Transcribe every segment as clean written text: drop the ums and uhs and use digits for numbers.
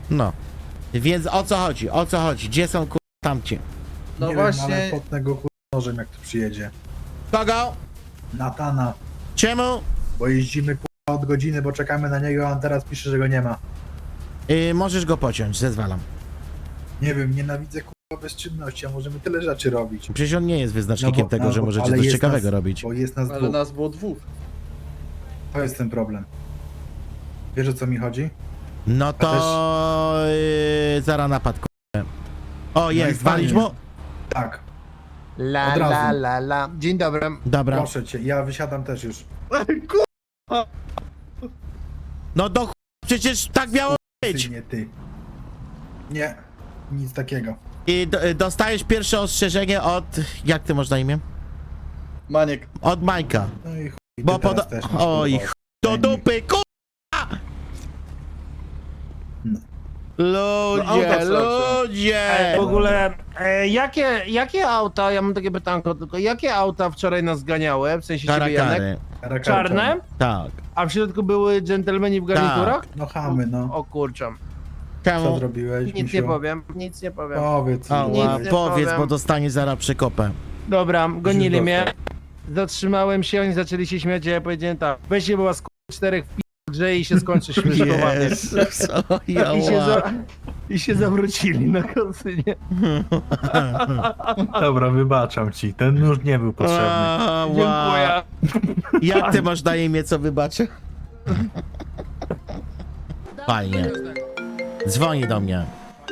No. Więc o co chodzi? O co chodzi? Gdzie są tamci? No Nie właśnie. wiem, ale potnę go nożem jak tu przyjedzie. Kogo? Natana, Czemu? bo jeździmy od godziny, bo czekamy na niego, a on teraz pisze, że go nie ma. Możesz go pociąć, zezwalam. Nie wiem, nienawidzę bezczynności, a możemy tyle rzeczy robić. Przecież on nie jest wyznacznikiem No bo- tego, że no, możecie ale coś jest ciekawego nas- robić. Bo jest nas Ale dwóch. nas było dwóch. To jest ten problem. Wiesz, o co mi chodzi? No to... zaraz napad, O, i jest, fajnie. walić mu? Tak, La Od razu. la la la. Dzień dobry. Dobra. proszę cię, ja wysiadam też już. No do przecież tak miało być. Ty, nie ty. Nie, nic takiego. I dostajesz pierwsze ostrzeżenie od... Jak ty masz na imię? Maniek. Od Majka. No i chuj, ty Bo teraz poda... też masz, Oj, kurwa, do ostrzeżenie. dupy, No. Ludzie, auta trzeba ludzie! W ogóle, jakie auta, ja mam takie pytanko tylko, jakie auta wczoraj nas ganiały, w sensie ciebie, Janek? Karakary. Karakary Czarne? Tak. A w środku były dżentelmeni w garniturach? No chamy, no. O kurczę. Co Czemu? zrobiłeś, Nic misiu? nie powiem, nic nie powiem. Powiedz. Ała, Nic nie powiedz, powiem. bo dostanie zaraz przekopę. Dobra, gonili dostał. mnie. Zatrzymałem się, oni zaczęli się śmiać, a ja powiedziałem tak, weźcie była z czterech w grze i się skończy śmieszkowanie. Jezus, o, I się zawrócili na konsynie. Dobra, wybaczam ci, ten nóż nie był potrzebny. Dziękuję. Jak ty masz na imię, co wybaczę? Fajnie. Dzwoni do mnie.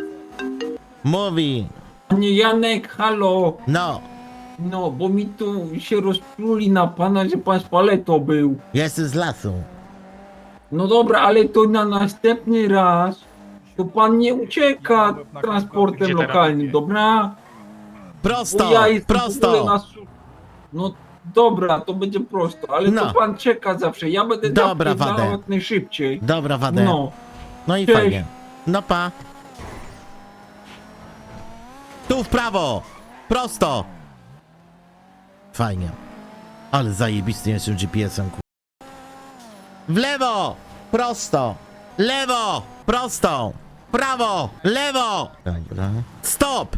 Mówi. Panie Janek, halo! No, No, bo mi tu się rozpluli na pana, że pan z paletą był. jestem z lasu. No dobra, ale to na następny raz to pan nie ucieka transportem lokalnym, dobra? Prosto, Bo ja jestem w ogóle prosto. na No dobra, to będzie prosto, ale No. to pan czeka zawsze. Ja będę Dobra, napierdalał Wadę. jak najszybciej. Dobra, Wadę. No, No i Cześć. fajnie. No pa. Tu w prawo. Prosto. Fajnie. Ale zajebisty jestem GPS-em, ku... W lewo. Prosto. Lewo. Prosto. Prawo. Lewo. Dobra. Stop.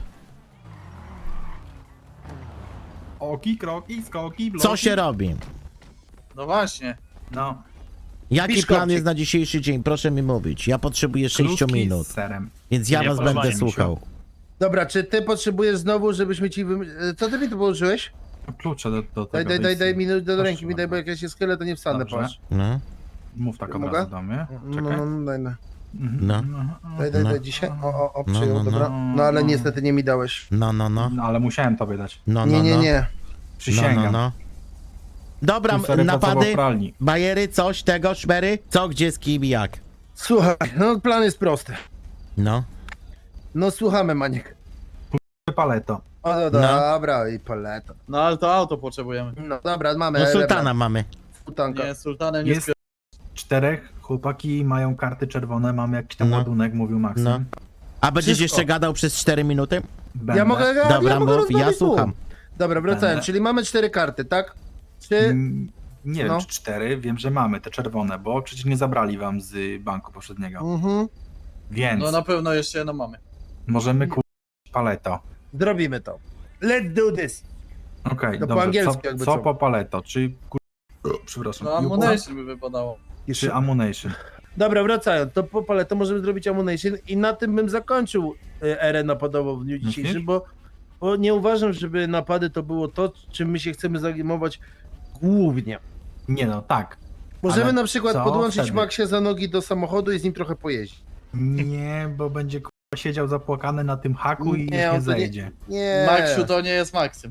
Oki, kroki, skoki, bloki. Co się robi? No właśnie. No. Jaki Biszkopcik. plan jest na dzisiejszy dzień? Proszę mi mówić. Ja potrzebuję 6 Krówki minut, z serem. więc ja Nie was podoba będę mi się. słuchał. Dobra, czy ty potrzebujesz znowu, żebyśmy ci co ty mi tu położyłeś? Klucze do Daj, tego. daj mi do Proszę ręki, mi daj, bo jak ja się schylę, to nie wstanę, Dobrze. patrz. No, Mów tak od Mogę? razu do mnie. No, Czekaj. daj, no. no, Daj, No. dzisiaj. O, No, przyjął, no, dobra. No ale niestety nie mi dałeś. no, no, no, No ale musiałem tobie dać. no, Nie, no, nie, no. nie. Przysięgam. No, no, no. Dobra, Tu sery pracował w napady, pralni. bajery, coś tego, szmery, co, gdzie, z kim i jak. Słuchaj, no plan jest prosty. No, No słuchamy, Maniek. Paleto. O, no, dobra, i paleta. No ale to auto potrzebujemy. No dobra, mamy. no sultana mamy. Sultanka. Nie, sultanem nie Jest 4 chłopaki, mają karty czerwone, mamy jakiś tam No. ładunek, mówił Maksym. No. A będziesz Wszystko. jeszcze gadał przez 4 minuty? Będę. Ja mogę, Dobra, ja mogę mów, ja rozmawiać słucham. tu. Dobra, wracałem, Będę. czyli mamy 4 karty, tak? Czy... Nie No. wiem, czy 4, wiem, że mamy te czerwone, bo przecież nie zabrali wam z banku poprzedniego. Mhm. Więc No na pewno jeszcze jedno mamy. możemy kupić paleto. Zrobimy to. Let's do this. Okej, To po dobrze. angielsku Co, jakby co co? po paleto? Czy przepraszam. No ammunition by wypadało. Czy ammunition? Dobra, wracając, to po paleto możemy zrobić ammunition i na tym bym zakończył erę napadową w dniu dzisiejszym, Myślisz? bo nie uważam, żeby napady to było to, czym my się chcemy zajmować głównie. Nie no, tak. Możemy Ale na przykład co podłączyć wtedy? Maxia za nogi do samochodu i z nim trochę pojeździć. Nie, bo będzie siedział zapłakany na tym haku i już Nie, nie on to nie- zejdzie. Nie. Maxiu to nie jest Maksym.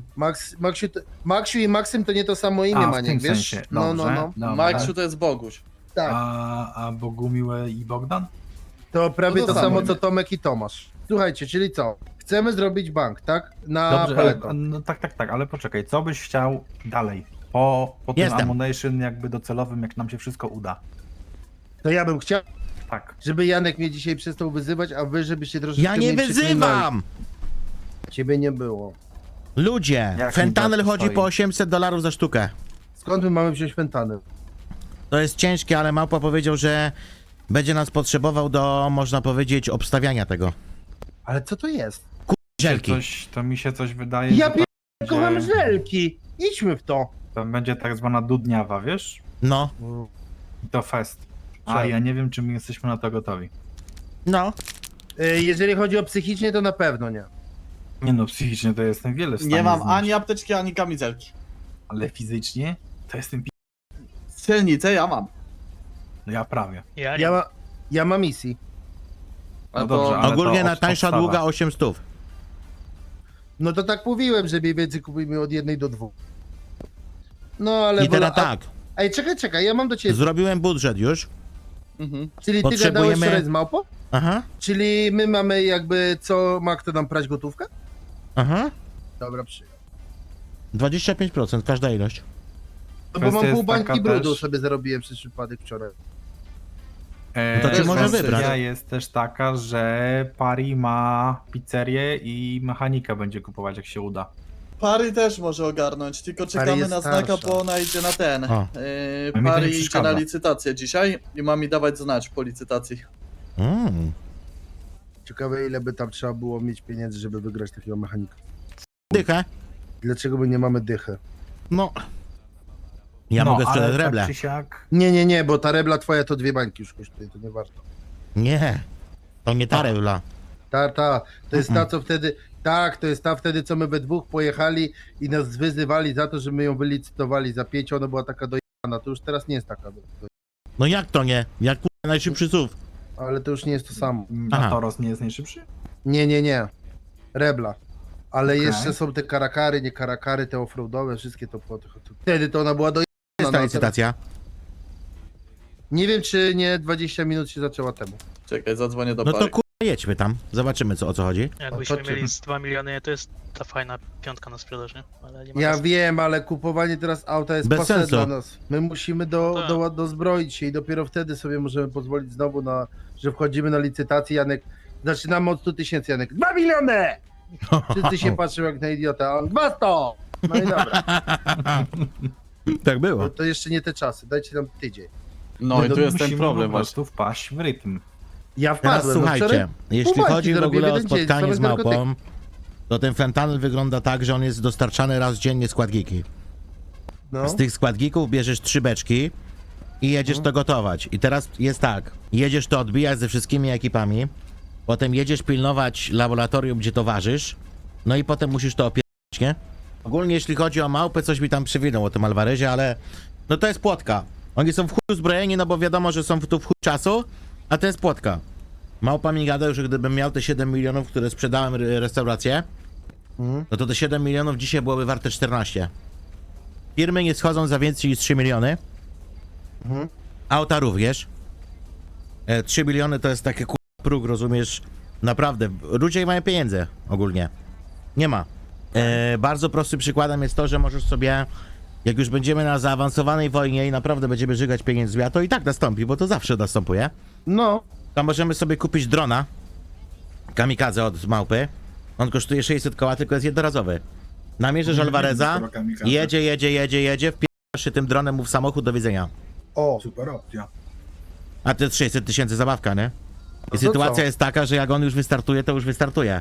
Maxiu i Maksym to nie to samo imię, A, w Maniek, tym wiesz? sensie. No, Dobrze, no, no. dobra. Maxiu to jest Boguś. Tak. A Bogumiłę i Bogdan? To prawie No to to samo samo. co Tomek i Tomasz. Słuchajcie, czyli co? Chcemy zrobić bank, tak? Na Dobrze, paleto. no tak, ale poczekaj, co byś chciał dalej? Po tym Jestem. ammunition jakby docelowym, jak nam się wszystko uda. To ja bym chciał, Tak. żeby Janek mnie dzisiaj przestał wyzywać, a wy żebyście troszeczkę Ja nie mniej przeklinali. wyzywam! Ciebie nie było. Ludzie, Jak fentanyl mi to chodzi stoi? po $800 za sztukę. Skąd my mamy wziąć fentanyl? To jest ciężkie, ale Małpa powiedział, że będzie nas potrzebował do, można powiedzieć, obstawiania tego. Ale co to jest? Żelki. To mi się coś wydaje, Ja że to kocham będzie, żelki. Idźmy w to. to będzie tak zwana dudniawa, wiesz? No, I to fest. A Tak. ja nie wiem, czy my jesteśmy na to gotowi. no. Jeżeli chodzi o psychicznie, to na pewno nie. Nie no, psychicznie to jestem wiele w stanie Nie mam znieść, ani apteczki, ani kamizelki. ale fizycznie to jestem Strzelnicę ja mam. no ja prawie. Ja mam misji. A No to- dobrze, ale Ogólnie to najtańsza podstawa. długa 800. No to tak mówiłem, że mniej więcej kupujmy od 1 do 2. No ale... I teraz tak, Ej, czekaj, ja mam do ciebie... zrobiłem budżet już. Mhm. Czyli ty potrzebujemy- gadałeś wczoraj z małpą? Aha, Czyli my mamy jakby co, ma kto nam prać gotówkę? aha. Dobra, przyjął. 25% każda ilość. No bo Kwestia mam jest pół bańki taka brudu też- sobie zarobiłem przez przypadek wczoraj. To cię Też może kwestia wybrać. Jest też taka, że Pari ma pizzerię i mechanika będzie kupować, jak się uda. Pary też może ogarnąć, tylko czekamy jest na znaka, starsza. bo ona idzie na ten. O. A mi to nie Pary idzie przeszkadza. na licytację dzisiaj i ma mi dawać znać po licytacji. Ciekawe ile by tam trzeba było mieć pieniędzy, żeby wygrać takiego mechanika. Dychę. Dlaczego my nie mamy dychy? No. Ja no, mogę sprzedać ale reble. Tak czy siak, Nie, bo ta rebla twoja to 2 bańki już kosztuje, to nie warto. Nie. To nie ta rebla. To jest ta, co wtedy... Tak, to jest ta wtedy, co my we dwóch pojechali i nas wyzywali za to, że my ją wylicytowali za 5, ona była taka dojechana, to już teraz nie jest taka No jak to nie? Jak kurwa najszybszy SUV. ale to już nie jest to samo. Aha. a Toros nie jest najszybszy? Nie. Rebla. Ale Okej. jeszcze są te karakary, nie karakary, te offroadowe, wszystkie to po tych. Wtedy to ona była do. Jest ta licytacja. Nie wiem, czy nie 20 minut się zaczęła temu. Czekaj, zadzwonię do No Pary. to kurwa jedźmy tam. Zobaczymy o co chodzi. Jakbyśmy to czy- mieli z 2 miliony, to jest ta fajna piątka na sprzedaż, nie? Ale nie ma Ja sensu. wiem, ale kupowanie teraz auta jest Bez pase sensu. dla nas. My musimy Tak. dozbroić się i dopiero wtedy sobie możemy pozwolić znowu na, że wchodzimy na licytację, Janek. Zaczynamy od 100 tysięcy, Janek. 2 miliony! Wszyscy się patrzą jak na idiota, a on 200! No i dobra, Tak było. to jeszcze nie te czasy, dajcie nam tydzień. No i tu jest ten Musimy problem po właśnie. prostu wpaść w rytm. Ja Teraz wpadłem, słuchajcie, wczoraj jeśli pół bańki chodzi w zarobiłem ogóle o jeden dzień, spotkanie same z narkotyki. małpą, to ten fentanyl wygląda tak, że on jest dostarczany raz dziennie składniki. no. Z tych składników bierzesz 3 beczki i jedziesz to gotować. I teraz jest tak, jedziesz to odbijać ze wszystkimi ekipami, potem jedziesz pilnować laboratorium, gdzie to ważysz, no i potem musisz to opierać, nie? Ogólnie jeśli chodzi o małpę, coś mi tam przywinął o tym Alvarezie, ale no to jest płotka. Oni są w chuj uzbrojeni, no bo wiadomo, że są tu w chuj czasu, a to jest płotka. Małpa mi gada, że gdybym miał te 7 milionów, które sprzedałem restaurację, no to te 7 milionów dzisiaj byłoby warte 14. Firmy nie schodzą za więcej niż 3 miliony. Auta również. 3 miliony to jest taki próg, rozumiesz? Naprawdę, ludzie mają pieniądze ogólnie. Nie ma. Bardzo prostym przykładem jest to, że możesz sobie, jak już będziemy na zaawansowanej wojnie i naprawdę będziemy żygać pieniędzmi, a to i tak nastąpi, bo to zawsze następuje, No, to możemy sobie kupić drona kamikadze od małpy. On kosztuje 600 koła, tylko jest jednorazowy. Namierzysz Alvareza, jedzie, wpierasz się tym dronem mu w samochód, do widzenia. o, Super opcja. A to jest 600 tysięcy zabawka, nie? I to sytuacja co? jest taka, że jak on już wystartuje, to już wystartuje.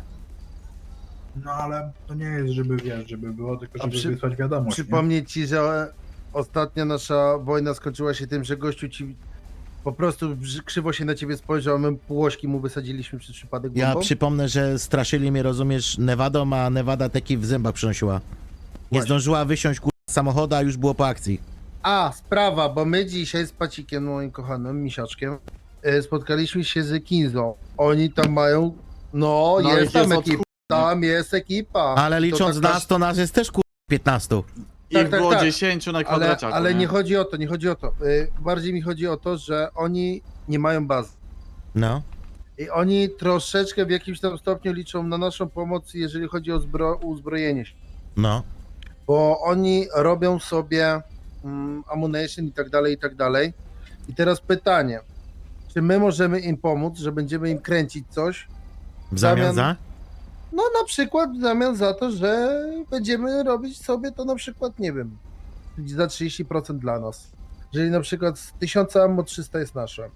No ale to nie jest, żeby wiesz, żeby było, tylko żeby przy- wysłać wiadomość. przypomnieć ci, że ostatnia nasza wojna skończyła się tym, że gościu ci po prostu krzywo się na ciebie spojrzał, a my półośki mu wysadziliśmy przez przypadek bombą. Ja przypomnę, że straszyli mnie, rozumiesz, Nevadą, a Nevada teki w zębach przynosiła. Nie Właśnie. zdążyła wysiąść z samochodu, a już było po akcji. A, sprawa, bo my dzisiaj z Pacikiem, moim kochanym misiaczkiem, spotkaliśmy się z Kinzą. Oni tam mają, no, No, jest ich tam jest od ekipa, tam jest ekipa. Ale licząc taka- nas, to nas jest też 15. Ich tak, było tak. 10 na Ale, kwadraciaku, ale nie chodzi o to, nie chodzi o to. Bardziej mi chodzi o to, że oni nie mają bazy. No. I oni troszeczkę w jakimś tam stopniu liczą na naszą pomoc, jeżeli chodzi o uzbrojenie się. No. Bo oni robią sobie ammunition i tak dalej, i tak dalej. I teraz pytanie, czy my możemy im pomóc, że będziemy im kręcić coś? W zamian Zamian- za? No na przykład w zamian za to, że będziemy robić sobie to na przykład, nie wiem, za 30% dla nas. Jeżeli na przykład z 1000 ammo 300 jest nasze.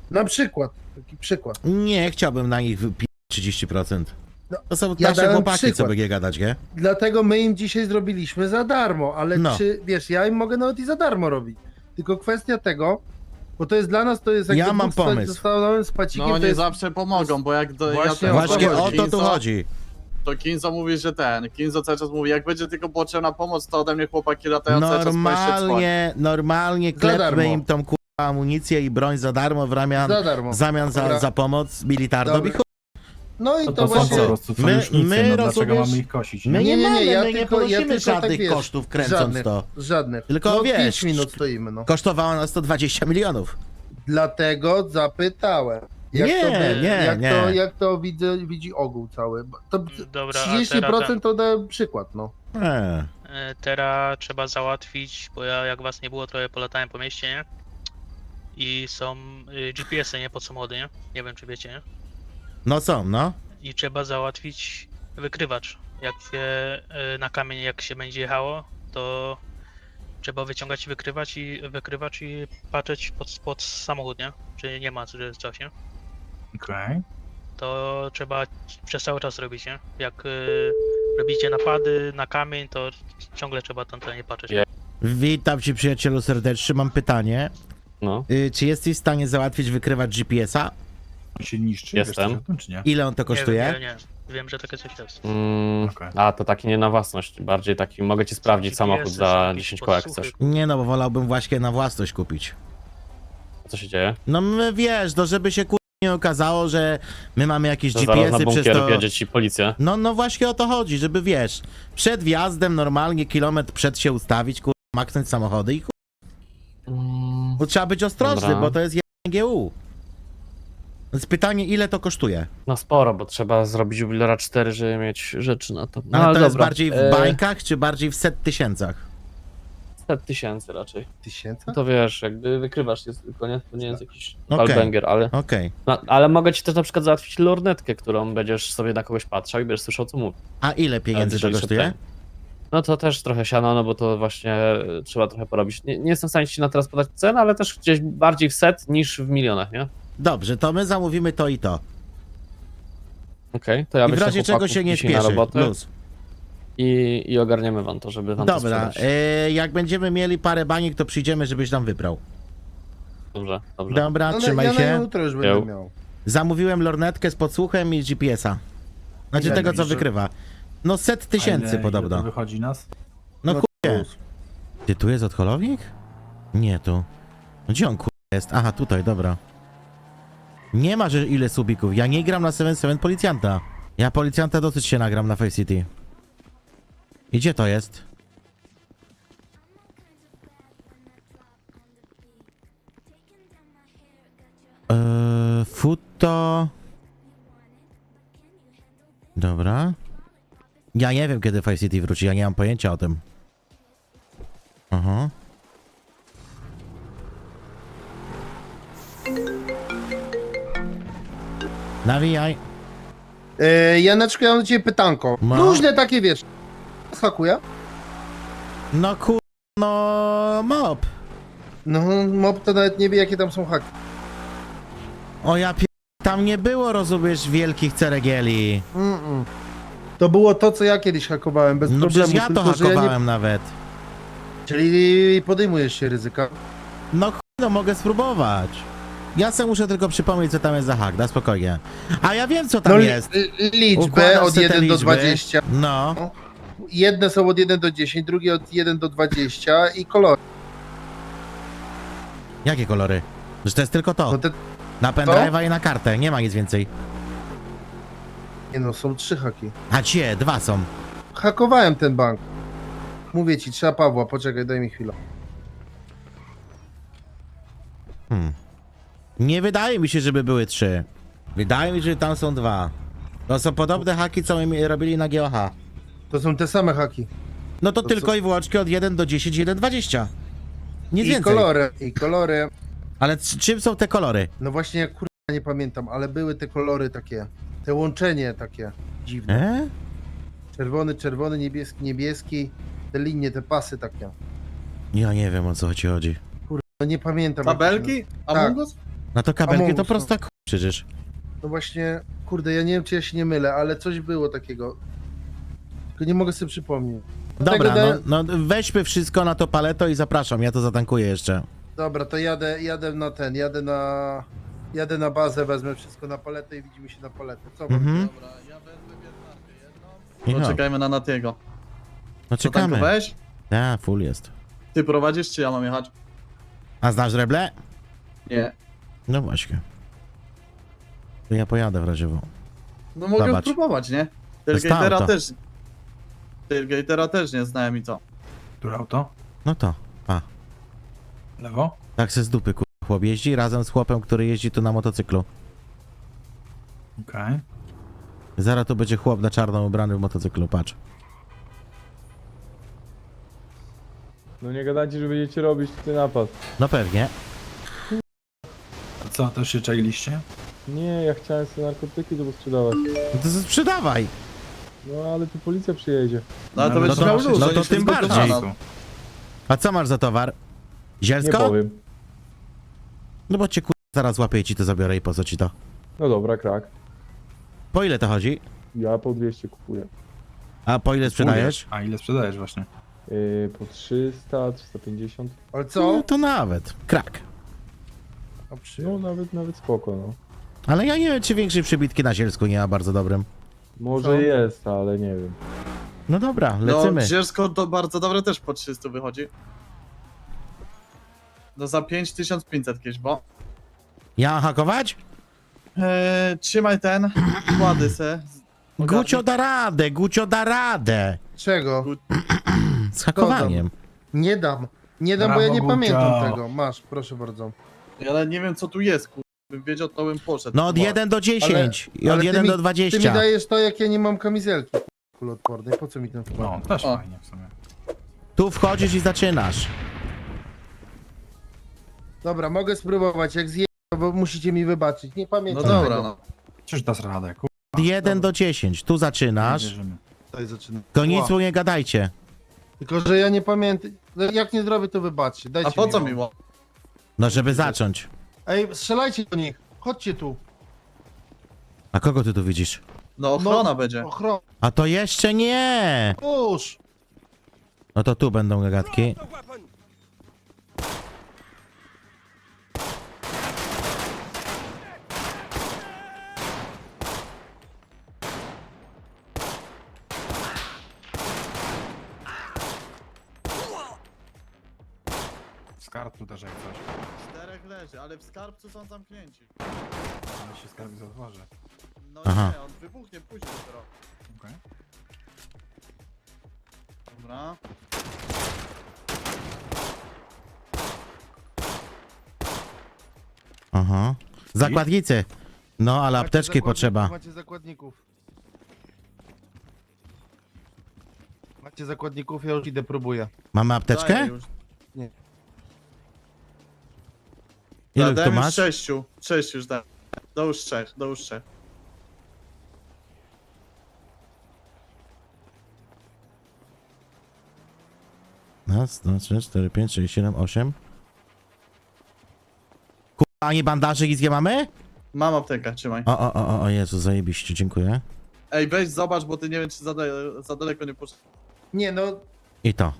Na przykład, taki przykład. Nie, chciałbym na nich wypić 30%. No, To są ja nasze dałem chłopaki, co przykład. będzie gadać, nie? Dlatego my im dzisiaj zrobiliśmy za darmo, ale No. czy, wiesz, ja im mogę nawet i za darmo robić. Tylko kwestia tego, bo to jest dla nas, to jest jak Ja mam dwóch pomysł. Zostałem z pacikiem, No to nie jest... zawsze pomogą, bo jak do, Właśnie ja o ten- Właśnie chodzi. o to tu chodzi. To Kinzo mówi, że Kinzo cały czas mówi, jak będzie tylko potrzebna pomoc, to ode mnie chłopaki latają cały czas Normalnie Za klepmy darmo. im tą amunicję i broń za darmo w Za darmo. zamian Dobra. za pomoc militarną. Dobra. I chuj. No i To, to, to są właśnie... po prostu My- sojusznicy, my no dlaczego rozumiesz- mamy ich kosić? My Nie? nie, Nie, mamy, ja my nie tylko- ja ponosimy tylko tak, żadnych wiesz, kosztów kręcąc Żadnych, to. żadnych. Tylko no, wiesz, 5 minut stoimy, no. Kosztowało nas to 20 milionów. Dlatego zapytałem. Jak Nie, to, nie, nie. Jak to widzi ogół cały. Bo to Dobra, a 30% to dałem przykład, no. teraz trzeba załatwić, bo ja jak was nie było, trochę polatałem po mieście, nie? I są GPS-y, nie? Pod samochody, nie? Nie wiem, czy wiecie, nie? No są, no. I trzeba załatwić wykrywacz. Jak się na kamień, jak się będzie jechało, to trzeba wyciągać wykrywacz i patrzeć pod samochód, nie? Czy nie ma coś, nie? Okej. To trzeba przez cały czas robić, nie? Jak robicie napady na kamień, to ciągle trzeba tam nie patrzeć. Je- Witam cię, przyjacielu serdecznie. Mam pytanie. No, Czy jesteś w stanie załatwić wykrywacz GPS-a? On się niszczy, Jestem. wiesz coś o tym, czy nie? Ile on to kosztuje? Nie. Wiem, że takie coś jest. Okej. a to taki nie na własność, bardziej taki, mogę ci sprawdzić samochód za GPS-y, 10 koła jak podsłuchy. chcesz. Nie no, bo wolałbym właśnie na własność kupić. Co się dzieje? No my, wiesz, no żeby się nie okazało, że my mamy jakieś To zaraz na GPS-y przez bunkier to... wjedzie ci policja. No właśnie o to chodzi, żeby wiesz, przed wjazdem normalnie kilometr przed się ustawić, maknąć samochody i bo trzeba być ostrożny, Dobra. bo to jest GU. Więc pytanie, ile to kosztuje? No sporo, bo trzeba zrobić jubilera 4, żeby mieć rzeczy na to. No, Ale to jest dobra. bardziej w bańkach, czy bardziej w set tysięcach? 100 tysięcy raczej. 1000? No to wiesz, jakby wykrywasz jest tylko, nie? To nie jest jakiś Okej. banger, ale... Okej. No, ale mogę ci też na przykład załatwić lornetkę, którą będziesz sobie na kogoś patrzał i będziesz słyszał co mówi. A ile pieniędzy to Jeżeli kosztuje? szedł No to też trochę siano, no bo to właśnie trzeba trochę porobić. Nie jestem w stanie ci na teraz podać cenę, ale też gdzieś bardziej w set niż w milionach, nie? Dobrze, to my zamówimy to i to. Okej, to ja I w wyślę razie czego chłopaków się nie dzisiaj na śpieszy. robotę Luz. i ogarniemy wam to, żeby wam to Dobra, sprzedać. jak będziemy mieli parę baniek, to przyjdziemy, żebyś nam wybrał. Dobrze, dobrze. Dobra, No, trzymaj ja na się. jutro już będę Jo. miał. Zamówiłem lornetkę z podsłuchem i GPS-a. Znaczy Ile tego, co myślisz, że- wykrywa. No set A tysięcy ile podobno. to wychodzi nas? No No kurde. Ty tu jest odholownik? Nie tu. No gdzie on kurde jest? Aha, tutaj, dobra. Nie ma, że ile subików. Ja nie gram na 7-7 policjanta. Ja policjanta dosyć się nagram na Face City. I gdzie to jest? Futo... Dobra. Ja nie wiem, kiedy Face City wróci, ja nie mam pojęcia o tym. Aha. Nawijaj. Janeczku, ja mam do ciebie pytanko. No. Różne takie, wiesz. Hakuję? No no mob. No, mob to nawet nie wie, jakie tam są haki. O ja tam nie było, rozumiesz, wielkich ceregieli. To było to, co ja kiedyś hakowałem, bez No problemu. przecież ja to tylko, że ja hakowałem nawet. Czyli podejmujesz się ryzyka. No no mogę spróbować. Ja sobie muszę tylko przypomnieć, co tam jest za hak, da spokojnie. A ja wiem, co tam No, jest. liczbę Układasz od se te 1 do liczby. 20. No. Jedne są od 1 do 10, drugie od 1 do 20 i kolory. Jakie kolory? Że to jest tylko to. No te, Na pendrive'a i na kartę, nie ma nic więcej. nie no, są 3 haki. A cie, 2 są. Hakowałem ten bank. Mówię ci, trzeba Pawła, poczekaj, daj mi chwilę. Nie wydaje mi się, żeby były 3. Wydaje mi się, że tam są 2. To są podobne haki, co my robili na GOH. To są te same haki. No to To tylko co? i wyłącznie od 1 do 10, 1, 20. Nic I więcej. kolory, i kolory. Ale czym są te kolory? No właśnie, ja kurwa nie pamiętam, ale były te kolory takie. Te łączenie takie dziwne. Czerwony, czerwony, niebieski, niebieski. Te linie, te pasy takie. Ja nie wiem, o co ci chodzi. No nie pamiętam. jak to się Tabelki? Tak. Among Us? No to kabelki to Amongus, prosta przecież. No właśnie, kurde, ja nie wiem, czy ja się nie mylę, ale coś było takiego. Tylko nie mogę sobie przypomnieć. Dobra, Tego da- no weźmy wszystko na to paleto i zapraszam, ja to zatankuję jeszcze. Dobra, to jadę na ten, jadę na bazę, wezmę wszystko na paletę i widzimy się na paletę. Co Mhm. Dobra, ja wezmę wiertarkę jedną. Michał, Poczekajmy na Natiego. no Co czekamy. tankowałeś? Ja, full jest. Ty prowadzisz, czy ja mam jechać? A znasz Reble? Nie. No właśnie. To ja pojadę w razie w. No mogę Zobacz. spróbować, nie? jest Tailgatera auto. też. Tailgatera też nie znałem i co? Które auto? No to, pa. Lewo? Tak se z dupy chłop jeździ razem z chłopem, który jeździ tu na motocyklu. Okej. Zaraz to będzie chłop na czarno ubrany w motocyklu, patrz. No nie gadajcie, że będziecie robić ten napad. No pewnie. A co, też się czailiście? Nie, ja chciałem sobie narkotyki tu sprzedawać. No to sprzedawaj. No ale tu policja przyjedzie. No ale to No będziesz to- miał luz, no że to nie się tym zgotowana. bardziej. A co masz za towar? Nie Zielsko? powiem. No bo cię zaraz łapię i ci to zabiorę i po co ci to? No dobra, krak. Po ile to chodzi? Ja po 200 kupuję. A po ile sprzedajesz? A ile sprzedajesz właśnie? Po 300, 350. Ale No co? to nawet. Krak. No nawet spoko, no. Ale ja nie wiem, czy większej przybitki na Zielsku nie ma bardzo dobrym. Może Co? jest, ale nie wiem. No dobra, lecimy. No, Zielsko to bardzo dobre też po 300 wychodzi. No za 5500 kiedyś, bo... Ja mam hakować? Trzymaj ten, kłady se. Gucio da radę, Gucio da radę. Czego? Z hakowaniem. Nie dam. Nie dam, bo ja Brawo, nie Gucio. pamiętam tego. Masz, proszę bardzo. Ale nie wiem co tu jest, kur... Bym wiedział, to bym poszedł. No od Bo- 1 do 10 i od ale ty 1 mi- do Ty mi 20. dajesz to, jak ja nie mam kamizelki kuloodpornej. Po co mi ten No, wkład? też O. fajnie w sumie. Tu wchodzisz i zaczynasz. Dobra, mogę spróbować. Jak zje, bo musicie mi wybaczyć. Nie No pamiętam dobra, tego. no. Czyż dasz radę, Od 1 do 10. Tu zaczynasz. wierzymy. Tutaj zaczynam. Tylko nic Ła. mu nie gadajcie. Tylko, że ja nie pamiętam. No, jak nie zrobię, to wybaczcie. Dajcie A po co mi? miło? No żeby zacząć. Ej, strzelajcie do nich. Chodźcie tu. A kogo ty tu widzisz? No ochrona będzie. Ochron. A to jeszcze nie! Już. No to tu będą gagatki. Z kartu też jak coś. 4 leży, ale w skarbcu są zamknięci. Ale się skarbi otworzy. No Aha. nie, on wybuchnie później dopiero. Okej. Dobra. Aha. Zakładnicy. No, ale Macie apteczki zakładników, potrzeba. Macie zakładników. Macie zakładników, ja już idę, próbuję. Mamy Daję apteczkę? już. Ile Dałem tu już masz? 6. 6 już dałem. Do już 3, do już 3. Raz, dwa, trzy, 4, 5, 6, 7, 8. Kurwa, a nie bandaży nic nie mamy? Mam aptekę, trzymaj. O Jezu, zajebiście, dziękuję. Ej, weź zobacz, bo ty nie wiem czy za daleko nie poszedł. Nie no, I to.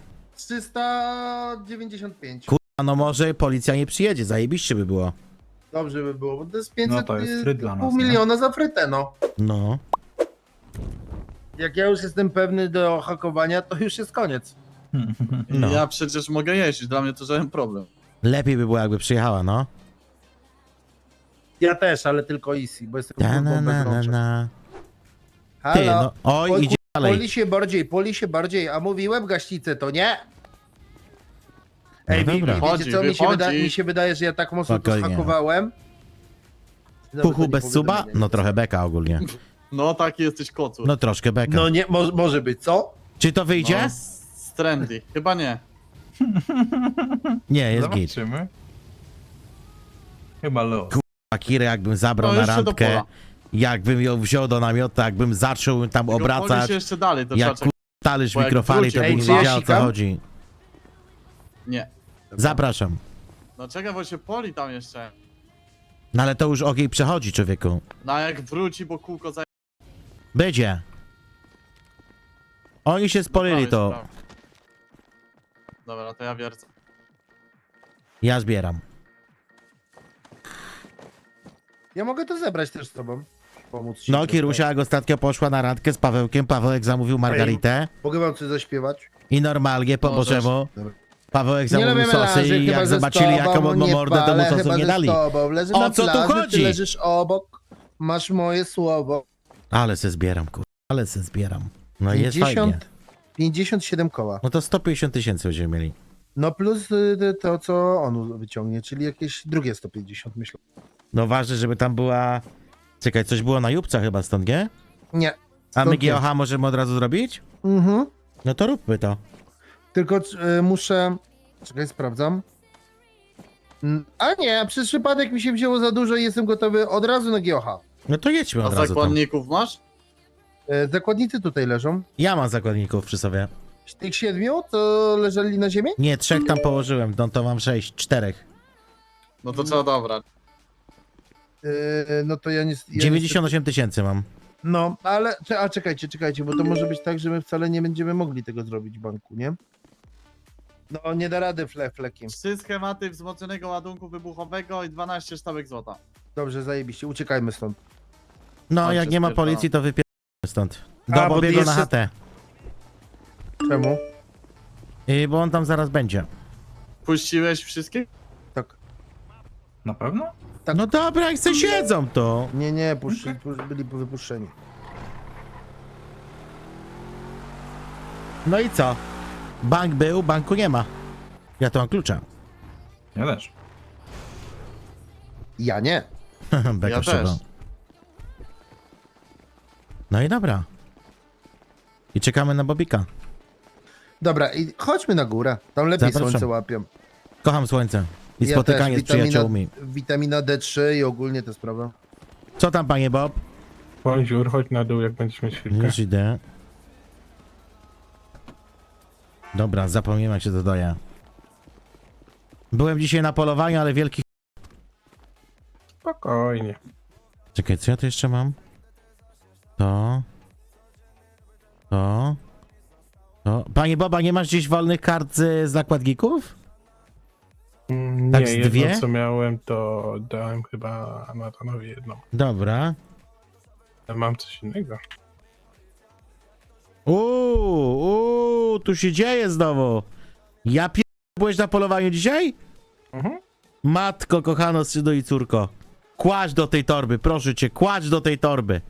395. Kurwa, no może policja nie przyjedzie, zajebiście by było. Dobrze by było, bo to jest 500, No to jest fryt dla nas, pół nie? miliona za frytę, no. No. Jak ja już jestem pewny do hakowania, to już jest koniec. No. Ja przecież mogę jeździć, dla mnie to żaden problem. Lepiej by było, jakby przyjechała, no. Ja też, ale tylko easy, bo jestem Ta, kurwą na, bez na, na, rączek. na. Ty, Halo? no. Oj, Oj, idzie dalej. Poli się bardziej, a mówiłem gaśnicę, to nie? Ej, No dobra. wiecie Wychodzi, co, wychodzi. mi się wydaje, że ja tak mocno to Spokojnie. zhakowałem. Nawet to Puchu nie bez powiem, suba? że nie. No trochę beka ogólnie. No taki jesteś kocu. No troszkę beka. No nie, może być, co? Czy to wyjdzie? No, z trendy. Chyba nie. Nie, jest git. Zobaczymy. Chyba lo. Akirę jakbym zabrał No na jeszcze do randkę, pola. jakbym ją wziął do namiotu, jakbym zaczął tam Tylko poli obracać, się jeszcze dalej, to jak trzeba talerz bo jak mikrofali, wróci- to by Ej, nie czy ja wiedział o co sikam? chodzi. Nie. Zapraszam. No czekaj, bo się poli tam jeszcze. No ale to już ogień przechodzi, człowieku. No a jak wróci, bo kółko za... Będzie. Oni się spolili to. Dobra, to ja wiercę. Ja zbieram. Ja mogę to zebrać też z tobą. Pomóc ci. No, trochę. Kirusia jak ostatnio poszła na randkę z Pawełkiem, Pawełek zamówił margaritę Mogę wam coś zaśpiewać? i normalnie po Możesz. Bożemu Dobra. Pawełek Nie zamówił lubię sosy melanży, i chyba jak że z zobaczyli tobą, jaką on ma nie mordę, to mu palę, sosów chyba nie że z dali. tobą. Leżę O na co tu plaży, chodzi? Ty leżysz obok, masz moje słowo. Ale se zbieram, kur... Ale se zbieram. No i jest fajnie. 57 koła. No to 150 tysięcy będziemy mieli. No plus to, co on wyciągnie, czyli jakieś drugie 150, myślę. No ważne, żeby tam była... Czekaj, coś było na Jupca chyba stąd, nie? Nie. A my Stąd nie. GOH możemy od razu zrobić? Mhm. No to róbmy to. Tylko muszę... Czekaj, sprawdzam. A nie, przez przypadek mi się wzięło za dużo i jestem gotowy od razu na GOH. No to jedźmy A od razu tam. zakładników masz? Zakładnicy tutaj leżą. Ja mam zakładników przy sobie. Z tych 7 to leżeli na ziemi? Nie, 3 tam położyłem, no to mam 6, 4. No to trzeba dobrać. No to ja nie... 98 tysięcy mam. No, ale... Czekajcie, bo to może być tak, że my wcale nie będziemy mogli tego zrobić w banku, nie? No, nie da rady flekiem. 3 schematy wzmocnionego ładunku wybuchowego i 12 sztabek złota. Dobrze, zajebiście, uciekajmy stąd. No, Chodźcie, jak nie ma spierdolę. policji, to wypieramy stąd. A, Do bo Bobiego jeszcze- na chatę. Czemu? Bo on tam zaraz będzie. Puściłeś wszystkich? Tak. Na pewno? Tak. No dobra, jak se siedzą to. Nie, byli wypuszczeni. No i co? Bank był, banku nie ma. Ja to mam klucza. Ja też. Ja nie. Beka Ja szczerze. też. No i dobra. I czekamy na Bobika. Dobra, i chodźmy na górę. Tam lepiej Zapraszam. słońce łapią. Kocham słońce. I Ja spotykanie też, z przyjaciółmi. Witamina D3 i ogólnie te sprawy. Co tam, panie Bob? Bonjour, chodź na dół, jak będziesz mieć chwilkę. Już idę. Dobra, zapomniałem jak się dodaje. Byłem dzisiaj na polowaniu, ale wielki... Spokojnie. Czekaj, co ja tu jeszcze mam? To... To... Panie Boba, nie masz gdzieś wolnych kart z nakładników? Nie, Tak z jedno dwie? co miałem, to dałem chyba Natanowi jedną. Dobra. Ale mam coś innego. Tu się dzieje znowu. Ja byłeś na polowaniu dzisiaj? Mhm. Matko, kochano, synu i córko. Kładź do tej torby, proszę cię, kładź do tej torby.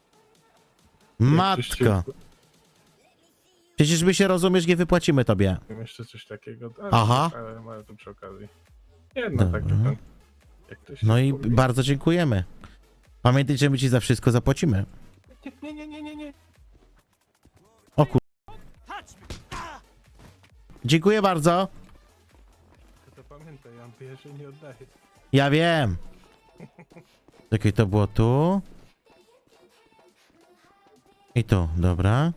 Matko. Przecież my się rozumiesz, nie wypłacimy tobie. Mam jeszcze coś takiego. Aha. Ale to przy okazji. Jedno tak, Dobra. że ten... Jak to się No i mówi. bardzo dziękujemy. Pamiętaj, że my ci za wszystko zapłacimy. Nie. O kur... Dziękuję bardzo. To pamiętaj, ja bierze nie oddaję. Ja wiem. Czekaj, to było tu. I tu, dobra.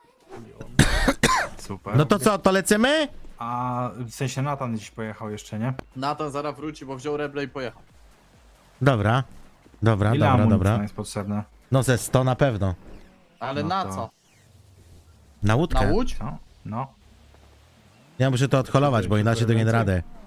Super. No to co, to lecimy? A w sensie Natan dziś pojechał jeszcze, nie? Nathan zaraz wróci, bo wziął reble i pojechał. Dobra. Dobra, Ile dobra, amunicji dobra. jest potrzebne? No ze 100 na pewno. Ale No na to- co? Na łódkę. Na łódź? Co? No. Ja muszę to odholować, bo inaczej to nie da radę.